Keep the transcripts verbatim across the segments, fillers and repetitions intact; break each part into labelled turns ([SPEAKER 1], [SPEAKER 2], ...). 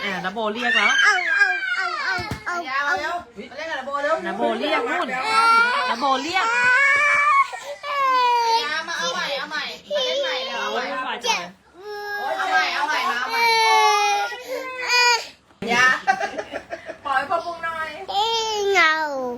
[SPEAKER 1] อ่านาโบเรียกแล้ว
[SPEAKER 2] เอาเอาเอาเอาเอา
[SPEAKER 3] ยามาเร็วมาเล่นกับนาโบเร็ว
[SPEAKER 1] นาโบเรียกนู่นนาโบเรียก
[SPEAKER 3] ยามาเอาใหม่เอาใหม่มาเล่นใหม่เลยเอาให
[SPEAKER 1] โอ้
[SPEAKER 3] ม่
[SPEAKER 1] ยไม่ไหวจังเลย
[SPEAKER 3] เอาใหม่เอาใหม่มาเอาใหม่ยาปล่อยพ่อปุ้งหน่อย
[SPEAKER 2] เงา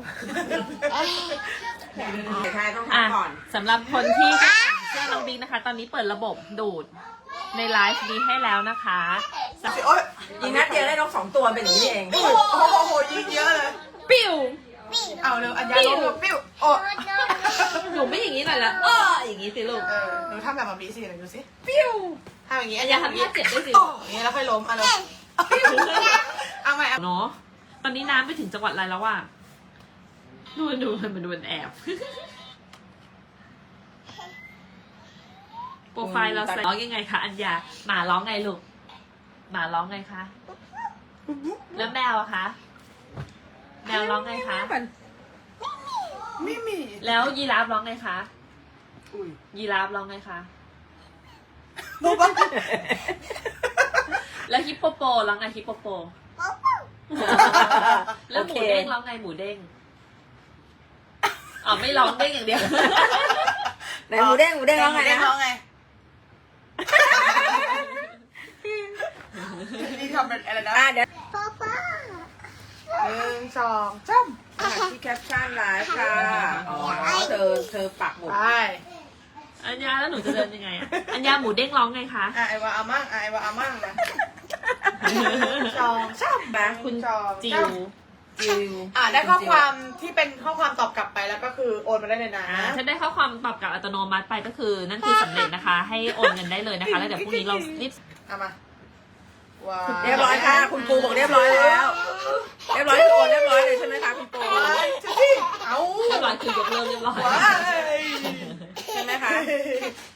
[SPEAKER 3] ใช่ต้อง
[SPEAKER 1] อ่ะ
[SPEAKER 3] ทำก่อน
[SPEAKER 1] สำหรับคนที่จะสั่งเสื้อน้องบิ๊กนะคะ ตอนนี้เปิดระบบดูดในไลฟ์นี้ให้แล้วนะคะสำ
[SPEAKER 3] โอ๊ย
[SPEAKER 4] ยิงนัดเดียวได้นกสองตัวเป็นอย่างนี้เอง
[SPEAKER 3] โอ้โหยิงเยอะเลย
[SPEAKER 1] ปิ้ว
[SPEAKER 3] เอาเร็วอัญญาล้มแล้วปิ้วโอ้
[SPEAKER 1] หนูไม่อย่างนี้หน่อยละเอออย่างนี้สิลูก
[SPEAKER 3] เออหนูทำแบบแบบนี้สิหนูดูสิ
[SPEAKER 1] ปิ้ว
[SPEAKER 3] ทำอย่างนี้
[SPEAKER 1] อันยาทำท่าเจ็บด้วยสิ
[SPEAKER 3] โอ้อย่างนี้แล้วค่อยล้มเอาเร็วเอาใหม่เอา
[SPEAKER 1] เนาะตอนนี้น้ำไปถึงจังหวัดอะไรแล้วว่ะดูดูมันดูมันแอบ โปรไฟล์เราใส่ร้องยังไงคะอัญญาหมาร้องไงลูกหมาร้องไงคะแล้วแมวอะคะแมวร้องไงคะ
[SPEAKER 3] ไม่มี
[SPEAKER 1] แล้วยีราฟร้องไงคะ
[SPEAKER 3] อุ้ย
[SPEAKER 1] ยีราฟร้องไงคะ
[SPEAKER 3] บูบ้า
[SPEAKER 1] แล้วฮิปโปโปร้องไงฮิปโปโป แล้วหมูเด้งร้องไงหมูเด้งอ๋อไม่ร้องเด้งอย่างเดียว
[SPEAKER 4] ไหนหมูเด้งหมูเด้งร้องไง
[SPEAKER 3] เด้ง
[SPEAKER 4] นะ
[SPEAKER 3] ร้องไงนี่ทำเป็นอะไรนะ
[SPEAKER 4] อ่ะเดี๋ยว
[SPEAKER 2] พ่อพ่อ
[SPEAKER 3] หนึ่งสองจ้ำ
[SPEAKER 4] อ่ะที่แคปชั่นไลฟ์ค่ะอ๋อเธอเธอปักหมุด
[SPEAKER 3] ไป
[SPEAKER 1] อัญญาแล้วหนูจะเดินยังไงอะอัญญาหมูเด้งร้องไงคะ
[SPEAKER 3] อ่ะไอวาอามั่งอ่ะไอวาอามั่งนะสองจ้ำ
[SPEAKER 4] นะ
[SPEAKER 1] คุณ
[SPEAKER 3] สอง
[SPEAKER 1] จิ
[SPEAKER 3] จ้
[SPEAKER 1] ว
[SPEAKER 4] จิว
[SPEAKER 3] ำอ่ะได้ข้อความที่เป็นข้อความตอบกลับไปแล้วก็คือโอนมาได้เลยนะ
[SPEAKER 1] อ่าถ้าได้ข้อความตอบกลับอัตโนมัติไปก็คือ นั่นคือสำเร็จนะคะ ให้โอนเงินได้เลยนะคะ แล้วเดี๋ยวพรุ่งนี้เรารีบ
[SPEAKER 3] เอามาว้าว
[SPEAKER 4] เรียบร้อยค่ะคุณปูบอกเรียบร้อยแล้ว เรียบร้อยคือโอนเรียบร้อยเลยใช่ไหมคะคุณปู
[SPEAKER 3] ว้ายจะสิเอา
[SPEAKER 1] เรียบร้อยคือยกเลิกเรียบร้อย
[SPEAKER 3] ว้าย
[SPEAKER 4] ใช่ไหมคะ